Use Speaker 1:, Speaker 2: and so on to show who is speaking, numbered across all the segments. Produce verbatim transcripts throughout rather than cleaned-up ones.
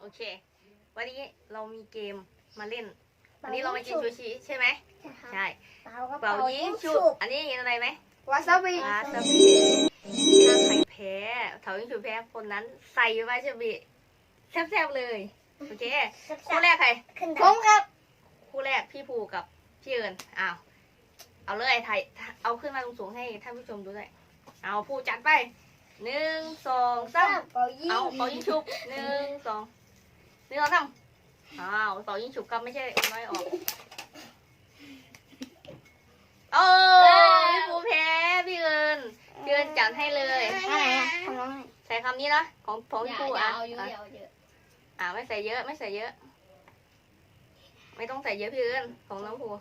Speaker 1: เควันนี้เรามีเกมมาเล่นวันนี้เรามากินซูชิใช่ไหมใช่เป่ายิงฉุบอันนี้เห็นอะไรไหม
Speaker 2: วาซาบิ
Speaker 1: วาซาบิถ้าใครแพ้เถายิงฉุบแพ้คนนั้นใส่วาซาบิแซ่บๆเลยโอเคคู่แรกใคร
Speaker 2: ผมครับ
Speaker 1: คู่แรกพี่ภูกับพี่เอิญอ้าวเอาเลยถ่ายเอาขึ้นมาสูงๆให้ท่านผู้ชมดูด้วยเอาภูจัดไปหนึ่งสองสาม
Speaker 2: เป่ายิง
Speaker 1: เอาเป่ายิงฉุบหนึ่งสองหนึ่งสองสามอ้าวเป่ายิงฉุบกับไม่ใช่เอาน้อยออกโอ้พี่ภูแพ้พี่เอิญพี่เอิญจัดให้เลยใส่คำนี้นะของของพี่ภูอ่ะอ่าไม่ใส่เยอะไม่ใส่เยอะ ไม่ต้องใส่เยอะพี่เอิญของน้องภู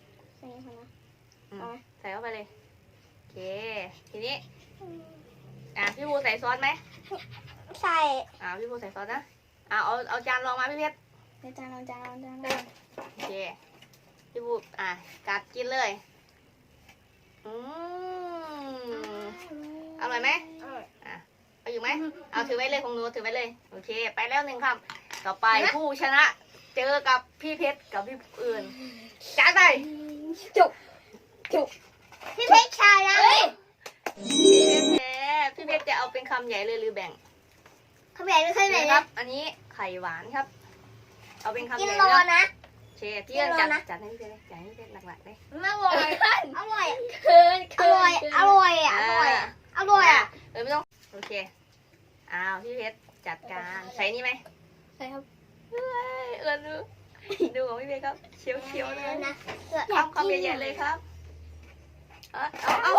Speaker 1: ใส่เข้าไปเลยโอเคทีนี้อ่ะพี่ภูใส่ซอสไหม
Speaker 2: ใส่
Speaker 1: อ่าพี่ภูใส่ซอสนะอ่าเอาเอาจานรองมาพี่เพชร
Speaker 2: จานเอาจานเอาจาน
Speaker 1: โอเคพี่ภูอ่ะกัดกินเลยอืมอร่อยไหมอ่ะเอาอยู่ไหมเอาถือไว้เลยของหนูถือไว้เลยโอเคไปแล้วหนึ่งคำต่อไปผู้ชนะเจอกับพี่เพชรกับพี่อื่นจานไป
Speaker 2: จุกจุกพี่เพชรชาแล้ว
Speaker 1: พี่เพชรแพ้พี่เพชรจะเอาเป็นคำใหญ่เลยหรือแบ่ง
Speaker 2: คำใหญ่หรือคำใหญ่
Speaker 1: ครับอันนี้ไข่หวานครับเอาเป็นคำใหญ่
Speaker 2: นะ
Speaker 1: เชฟพี่เอิญจัดจัดให้พี่เพชรเลยจัดให้พี่เพชรหลักๆเลย
Speaker 2: อร่อยอร่อยเคินอร่อยอร่อยอ่ะอร่อยอร่อยอ่ะ
Speaker 1: เออไม่ต้องโอเคอ้าวพี่เพชรจัดการใส่นี่ไหม
Speaker 2: ใส่ครับ
Speaker 1: เออดูดูของพี่เพชรครับเชียวเชียวเลย
Speaker 2: นะ
Speaker 1: ทำคำใหญ่ๆเลยครับเอาเอาเอา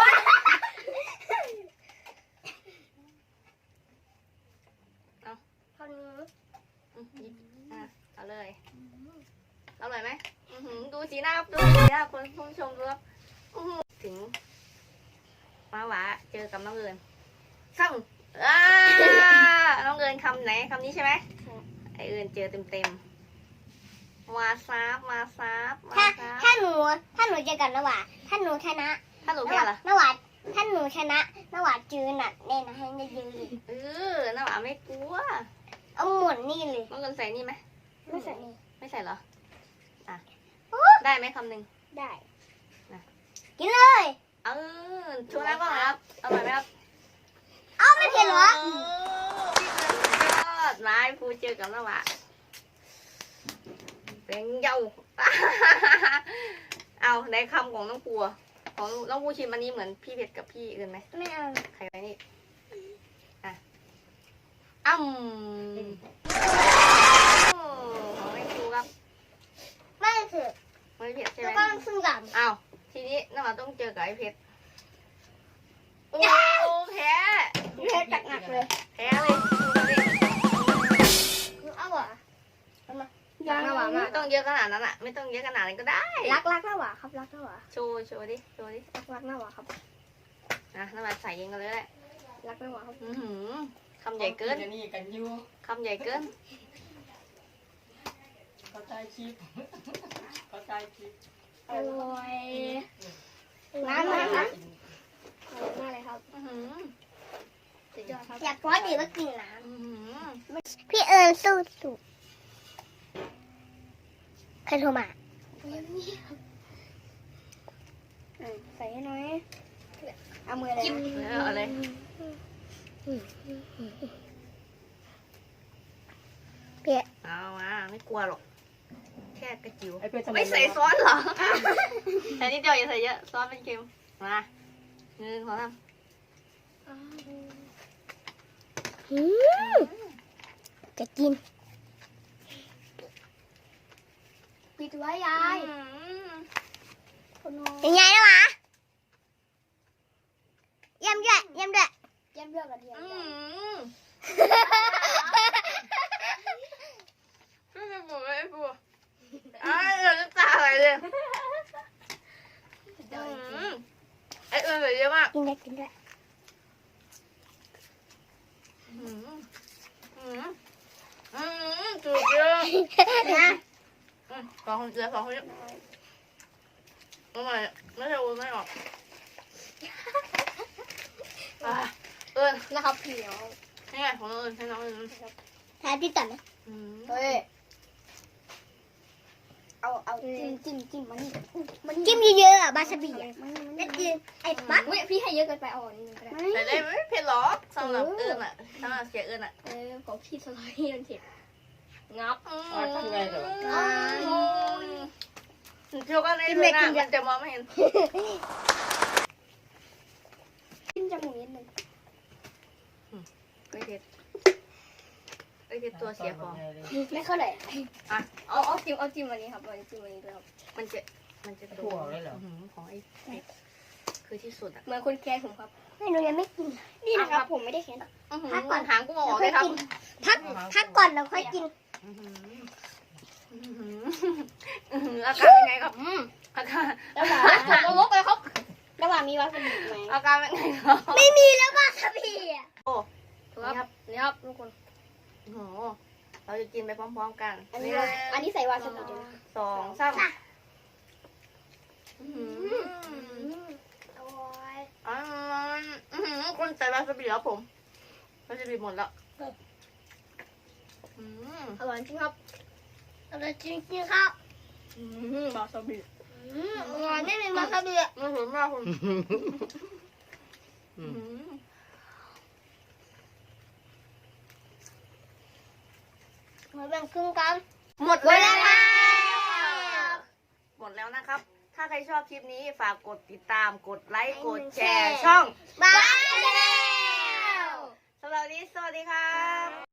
Speaker 1: เอา
Speaker 2: คนนี้
Speaker 1: เอาเลยอร่อยไหมดูสีหน้าดูสีหน้าคนผู้ชมดูครับถึงมาหวาเจอกับน้องเอิญคำอ่าน้องเอิญคำไหนคำนี้ใช่ไหมไอเอิญเจอเต็มเต็มมาซาบมาซาบ
Speaker 2: ถ้าถ้าหนูถ้าหนูเจอกันนวาถ้าหนูชนะ
Speaker 1: ถ้าหนูแพ้ล่ะ
Speaker 2: นวาถ้าหนูชนะนวาจืนอ่ะเนี่ยนะให้ได้ยืน
Speaker 1: เออน้าหวาไม่กลัว
Speaker 2: เอาหมุนนี่เลย
Speaker 1: น้องเอิญใส่นี่ไหม
Speaker 2: ไม่ใส่นี่
Speaker 1: ไม่ใส่เหรออ่ะได้ไหมคำหนึ่ง
Speaker 2: ได้กินเลย
Speaker 1: เออชูน้ำก่อนครับอร่อยไหมครับ
Speaker 2: เอาไม่เผ็ดหรอ
Speaker 1: ดนายพูเจอกับน้าหวาเป็นเย้าเอาในคำของน้องปูของน้องปูชิมอันนี้เหมือนพี่เพชรกับพี่อื่นไหม
Speaker 2: ไม่เอา
Speaker 1: ใครไว้นี่อ่ะอ้ำของไอ้ปูครับ
Speaker 2: ไม่เผ็ด
Speaker 1: ไม่เผ็ดใช่ไหม
Speaker 2: ก็ต้องซื้อกับ
Speaker 1: อ้าวทีนี้น้าหวาต้องเจอกับไอ้เพชรโอ้แพ้
Speaker 2: แพ้จักหนักเลย
Speaker 1: แพ้เลย
Speaker 2: เอาเหรอ
Speaker 1: ยังไม่ต้องเยอะขนาดนั้นอ่ะไม่ต้องเยอะขนาดนั้นก็ได้
Speaker 2: รักรักน้าหวาครับรักน้าหวา
Speaker 1: โชว์โชว์ดิโชว์ดิ
Speaker 2: รักรักน้าหวาครับ
Speaker 1: นะน้าหวาใส่เองกันเลยแหละ
Speaker 2: รักน้าหวาครับ
Speaker 1: อือหือคำใหญ่เกินคำใหญ่เกิน
Speaker 3: เขาใช้ชิปเขาใช้ชิป
Speaker 2: อร่อยน้ำมาครับอร่อยมากเลยครับ
Speaker 1: อือหือสุดยอดครับ
Speaker 2: อยากร้อนดีว่ากินน้ำพี่เอิญสู้สุดใครโทรมาใส่ให้น้อยเอามือเลย
Speaker 1: เอาเลย
Speaker 2: เปีย
Speaker 1: เอามาไม่กลัวหรอกแค่กระจิ๋ว
Speaker 3: ไม่
Speaker 1: ใส่ซอสเหรอแต่นิดเดียวอย่าใส่เยอะซอสเป็นเค็มมาหนึ่งสองสาม
Speaker 2: จะกินปิดไว้ยายยังไงนะวะเยี่ยมด้วยเยี่ยมด้วยเยี่ยมด้วยกระเทียม
Speaker 1: ไม่เป็นปูไม่เป็นปูอ้าวเราจะตาอะไรเลยไอเอิญใส่เยอะมาก
Speaker 2: กินได้กินได้
Speaker 1: อืมอืมอืมจุดเยอะนะสองคนเจอสองคนเยอะทำไมไม่ใช่วุ้นไม่ออกเอิญ
Speaker 2: นะครับพี่น้อง
Speaker 1: นี่ไงของเอิญให้น้องเอิญ
Speaker 2: ทายพี่ตัดไหม
Speaker 1: อืม
Speaker 2: เฮ้ยเอาเอาจิ้มจิ้มจิ้มมันมันจิ้มเยอะๆอ่ะบาซาบิอ่ะแล้วจิ้มไอ้ปั๊กพี่ให้เยอะเกินไปอ่อนนิดนึงก็ได้
Speaker 1: แต่ได้ไม่เผ็ดหรอกสำหรับเอิญอ่ะสำหรับเสียเอิญอ่ะ
Speaker 2: เออของพี่สไลด์มันเผ็ดงับ
Speaker 1: อืม
Speaker 3: อ๋อทำไงเหรอ
Speaker 1: อืมเที่ยวกันในเลยนะมันจะมองไม่เห็น
Speaker 2: จิ้มจมูกนิดนึง
Speaker 1: ไม่เผ็ดไม่เผ็ดตัวเสียของ
Speaker 2: ไม่เข้าไหร่
Speaker 1: อ่ะ
Speaker 2: เอาเอาจิ้มเอาจิ้มอันนี้ครับเอาจิ้มอันนี้ด้วยครับ
Speaker 1: มันจะมันจะ
Speaker 3: ถั่วเลยเหรอ
Speaker 1: หืของไอ้คือที่สุดอ่ะ
Speaker 2: เหมือนคนแกล้งผมครับไม่หนูยังไม่กินนี่นะครับผมไม่ได้แค้น พักก่อน
Speaker 1: หางกูมองออกเลยครับ
Speaker 2: พักพักก่อนแล้วค่อยกิน
Speaker 1: อื้อหืออื้อหืออื้อหืออาการเป็นไงครับอืมอาการ
Speaker 2: ระหว่างผมลบไปครับระหว่างมีวาซาบิไหม
Speaker 1: อาการเป็นไงครับ
Speaker 2: ไม่มีแล้ววาซาบิอ่ะ
Speaker 1: โอ้
Speaker 2: นี่ครับนี่ครับทุกคน
Speaker 1: โอ้โหเราจะกินไปพร้อมๆกัน
Speaker 2: อันนี้วาอันนี้ใส่วาซาบิด้วยนะ
Speaker 1: สองสามอื้อหือ
Speaker 2: อร่อย
Speaker 1: อ๋ออื้อหือคุณใส่วาซาบิแล้วผมวาซาบิหมดแล้วอืม
Speaker 2: อร่อยจริงครับอร่อยจริงจริงครับ
Speaker 1: อืมวาซาบิ
Speaker 2: อร่อยไม่มีวาซาบิอ่ะ
Speaker 1: ไม่เห็นมากคุณอืม
Speaker 2: มาแบ่งครึ่งกัน
Speaker 1: หมดแล้วหมดแล้วนะครับ ถ้าใครชอบคลิปนี้ฝากกดติดตาม กดไลค์ กดแชร์ช่อง
Speaker 2: บายแล้ว
Speaker 1: สำหรับวันนี้สวัสดีครับ